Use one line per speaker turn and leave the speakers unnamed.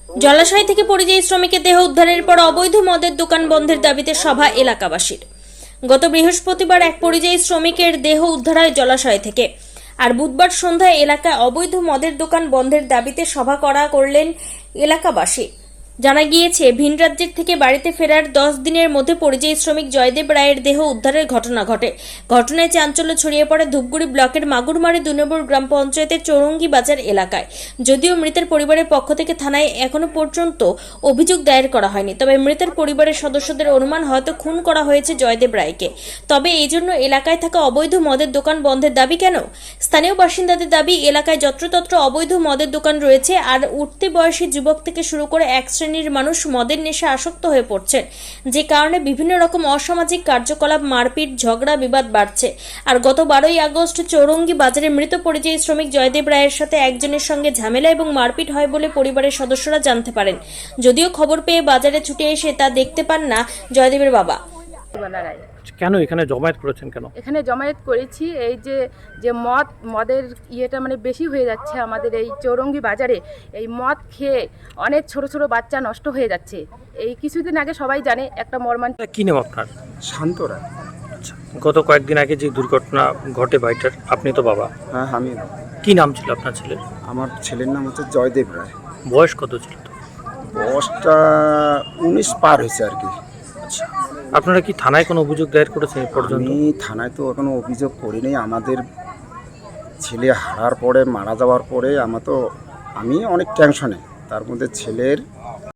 জলাশয় থেকে পরিযায়ী শ্রমিকের দেহ উদ্ধারের পর অবৈধ মদের দোকান বন্ধের দাবিতে সভা এলাকাবাসীর। গত বৃহস্পতিবার এক পরিযায়ী শ্রমিকের দেহ উদ্ধার হয় জলাশয় থেকে। আর বুধবার সন্ধ্যায় এলাকায় অবৈধ মদের দোকান বন্ধের দাবিতে সভা করলেন এলাকাবাসী। জানা গিয়েছে, ভিন রাজ্যের থেকে বাড়িতে ফেরার 10 দিনের মধ্যে পরিযায়ী শ্রমিক জয়দেব রায়ের দেহ উদ্ধারের ঘটনা ঘটে। ঘটনায় চাঞ্চল্য ছড়িয়ে পড়ে ধূপগুড়ি ব্লকের মাগুরমারি 2 নম্বর গ্রাম পঞ্চায়েতের চৌরঙ্গি বাজার এলাকায়। যদিও মৃতের পরিবারের পক্ষ থেকে থানায় এখনো পর্যন্ত অভিযোগ দায়ের করা হয়নি, তবে মৃতের পরিবারের সদস্যদের অনুমান হয়তো খুন করা হয়েছে জয়দেব রায়কে। তবে এই জন্য এলাকায় থাকা অবৈধ মদের দোকান বন্ধের দাবি কেন? স্থানীয় বাসিন্দাদের দাবি, এলাকায় যত্রতত্র অবৈধ মদের দোকান রয়েছে, আর উঠতি বয়সী যুবক থেকে শুরু করে এক শ্রেণীর মানুষ মদের নেশা আসক্ত হয়ে পড়ছেন, যে কারণে বিভিন্ন রকম অসামাজিক কার্যকলাপ, মারপিট, ঝগড়া বিবাদ বাড়ছে। আর গত 12ই আগস্ট চৌরঙ্গি বাজারে মৃত পরিযায়ী শ্রমিক জয়দেব রায়ের সাথে একজনের সঙ্গে ঝামেলা এবং মারপিট হয় বলে পরিবারের সদস্যরা জানতে পারেন। যদিও খবর পেয়ে বাজারে ছুটে এসে তা দেখতে পান না জয়দেবের বাবা।
কেন এখানে জমায়েত করেছেন কেন?
এখানে জমায়েত করেছি এই যে মদের ইয়েটা মানে বেশি হয়ে যাচ্ছে আমাদের এই চৌরঙ্গি বাজারে। এই মদ খেয়ে অনেক ছোট ছোট বাচ্চা নষ্ট হয়ে যাচ্ছে। এই কিছুদিন আগে সবাই জানে একটা মর্মান্তিক।
কি নাম আপনার?
শান্তরা।
আচ্ছা, গত কয়েকদিন আগে যে দুর্ঘটনা ঘটে বাড়িটার, আপনি তো বাবা।
হ্যাঁ, আমি।
কি নাম ছিল আপনার ছেলের?
আমার ছেলের নাম হচ্ছে জয়দেব রায়।
বয়স কত ছিল?
বয়সটা 19 পার হয়েছে আর কি।
আচ্ছা, আপনারা কি থানায় কোনো অভিযোগ দায়ের করেছেন এই পর্যন্ত?
আমি থানায় তো এখনো অভিযোগ করিনি। আমাদের ছেলে হারার পরে, মারা যাওয়ার পরে আমি অনেক টেনশনে। তার মধ্যে ছেলের